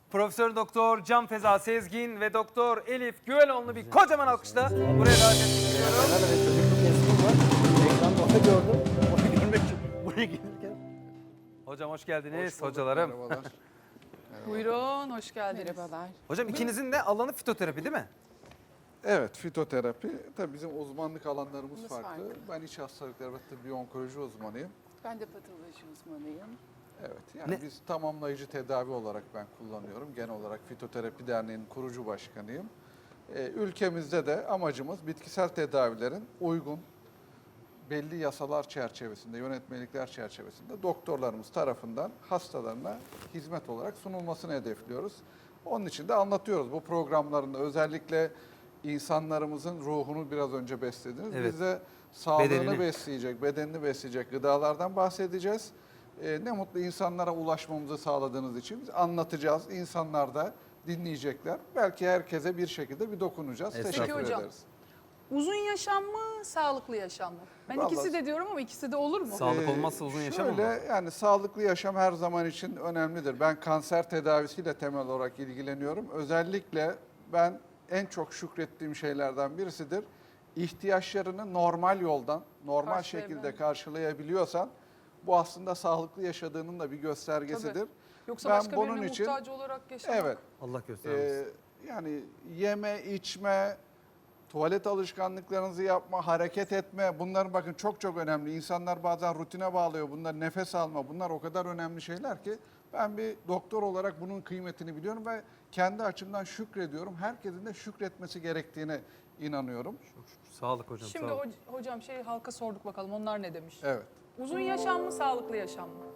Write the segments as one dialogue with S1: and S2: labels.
S1: Profesör Doktor Can Feza Sezgin ve Doktor Elif Güveloğlu'nu bir kocaman alkışla buraya davet etmek istiyorum.
S2: Evet, çocukluk resmim var. Ekranda onu gördüm. Onu görmek için buraya gelirken.
S1: Hocam hoş geldiniz
S3: Hoş bulduk,
S1: hocalarım.
S3: merhabalar.
S4: Buyurun, hoş geldiniz.
S5: Merhabalar.
S1: Hocam ikinizin de alanı fitoterapi değil mi?
S3: Evet, fitoterapi. Tabii bizim uzmanlık alanlarımız
S5: Biz
S3: farklı.
S5: farklı.
S3: Ben iç hastalıklar ve tıbbi onkoloji uzmanıyım.
S5: Ben de patoloji uzmanıyım.
S3: Evet, yani biz tamamlayıcı tedavi olarak ben kullanıyorum. Genel olarak Fitoterapi Derneği'nin kurucu başkanıyım. Ülkemizde de amacımız bitkisel tedavilerin uygun, belli yasalar çerçevesinde, yönetmelikler çerçevesinde doktorlarımız tarafından hastalarına hizmet olarak sunulmasını hedefliyoruz. Onun için de anlatıyoruz bu programlarında özellikle insanlarımızın ruhunu biraz önce beslediniz.
S1: Evet.
S3: Biz de sağlığını
S1: Bedenini.
S3: besleyecek, bedenini besleyecek gıdalardan bahsedeceğiz. Ne mutlu insanlara ulaşmamızı sağladığınız için biz anlatacağız. İnsanlar da dinleyecekler. Belki herkese bir şekilde bir dokunacağız.
S1: Estağfurullah.
S3: Teşekkür
S4: Peki hocam.
S3: ederiz.
S4: Uzun yaşam mı, sağlıklı yaşam mı? Ben
S3: Vallahi-
S4: ikisi de diyorum ama ikisi de olur mu?
S1: Sağlık olmazsa uzun yaşam
S3: Şöyle
S1: olmaz.
S3: yani sağlıklı yaşam her zaman için önemlidir. Ben kanser tedavisiyle temel olarak ilgileniyorum. Özellikle ben en çok şükrettiğim şeylerden birisidir. İhtiyaçlarını normal yoldan, normal
S4: Karşılayabilen.
S3: şekilde karşılayabiliyorsan bu aslında sağlıklı yaşadığının da bir göstergesidir.
S4: Tabii. Yoksa
S3: Ben
S4: başka
S3: bunun
S4: birine
S3: için-
S4: muhtaç olarak yaşamak.
S3: Evet.
S1: Allah göstermesin.
S3: Yani yeme, içme, tuvalet alışkanlıklarınızı yapma, hareket etme bunlar bakın çok çok önemli. İnsanlar bazen rutine bağlıyor. Bunlar nefes alma. Bunlar o kadar önemli şeyler ki ben bir doktor olarak bunun kıymetini biliyorum ve kendi açımdan şükrediyorum. Herkesin de şükretmesi gerektiğine inanıyorum.
S1: Sağlık hocam
S4: Şimdi
S1: sağlık.
S4: hocam halka sorduk bakalım onlar ne demiş?
S3: Evet.
S4: Uzun yaşam mı, sağlıklı yaşam mı?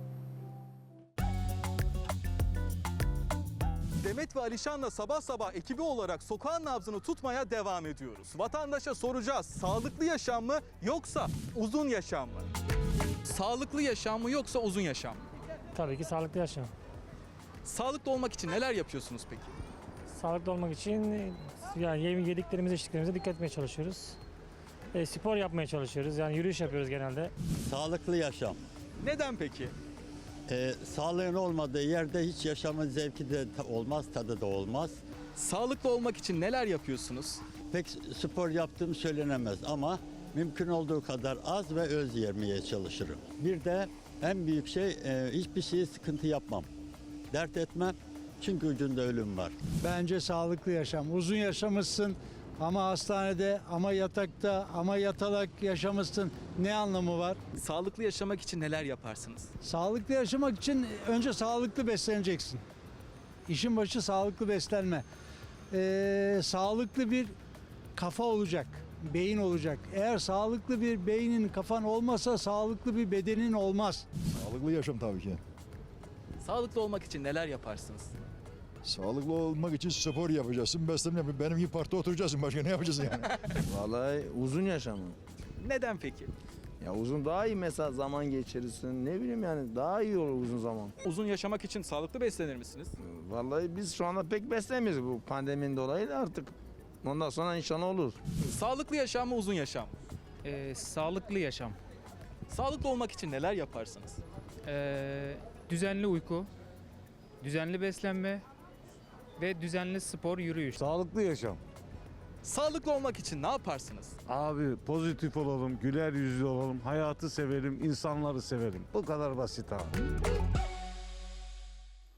S6: Demet ve Alişan'la sabah sabah ekibi olarak sokağın nabzını tutmaya devam ediyoruz. Vatandaşa soracağız, sağlıklı yaşam mı yoksa uzun yaşam mı? Sağlıklı yaşam mı yoksa uzun yaşam mı?
S7: Tabii ki sağlıklı yaşam.
S6: Sağlıklı olmak için neler yapıyorsunuz peki?
S7: Sağlıklı olmak için yani yediklerimize, içtiklerimize dikkat etmeye çalışıyoruz. Spor yapmaya çalışıyoruz. Yani yürüyüş yapıyoruz genelde.
S8: Sağlıklı yaşam.
S6: Neden peki?
S8: Sağlığın olmadığı yerde hiç yaşamın zevki de olmaz, tadı da olmaz.
S6: Sağlıklı olmak için neler yapıyorsunuz?
S8: Pek spor yaptığım söylenemez ama mümkün olduğu kadar az ve öz yemeye çalışırım. Bir de en büyük şey hiçbir şeyi sıkıntı yapmam. Dert etmem çünkü ucunda ölüm var.
S9: Bence sağlıklı yaşam. Uzun yaşamışsın ama hastanede, ama yatakta, ama yatalak yaşamışsın. Ne anlamı var?
S6: Sağlıklı yaşamak için neler yaparsınız?
S9: Sağlıklı yaşamak için önce sağlıklı besleneceksin. İşin başı sağlıklı beslenme. Sağlıklı bir kafa olacak, beyin olacak. Eğer sağlıklı bir beynin, kafan olmasa sağlıklı bir bedenin olmaz.
S10: Sağlıklı yaşam tabii ki.
S6: Sağlıklı olmak için neler yaparsınız?
S10: Sağlıklı olmak için spor yapacaksın, beslenme yapacaksın. Benim gibi parkta oturacaksın. Başka ne yapacaksın yani?
S2: Vallahi uzun yaşam.
S6: Neden peki?
S2: Ya uzun daha iyi mesela zaman geçirirsin. Ne bileyim yani daha iyi olur uzun zaman.
S6: Uzun yaşamak için sağlıklı beslenir misiniz?
S2: Vallahi biz şu anda pek beslemiyoruz bu pandeminin dolayı da artık. Ondan sonra inşallah olur.
S6: Sağlıklı yaşam mı uzun yaşam mı?
S11: Sağlıklı yaşam,
S6: Sağlıklı olmak için neler yaparsınız?
S11: düzenli uyku, düzenli beslenme ve düzenli spor, yürüyüş.
S10: Sağlıklı yaşam.
S6: Sağlıklı olmak için ne yaparsınız?
S10: Abi pozitif olalım, güler yüzlü olalım, hayatı sevelim, insanları sevelim. Bu kadar basit abi.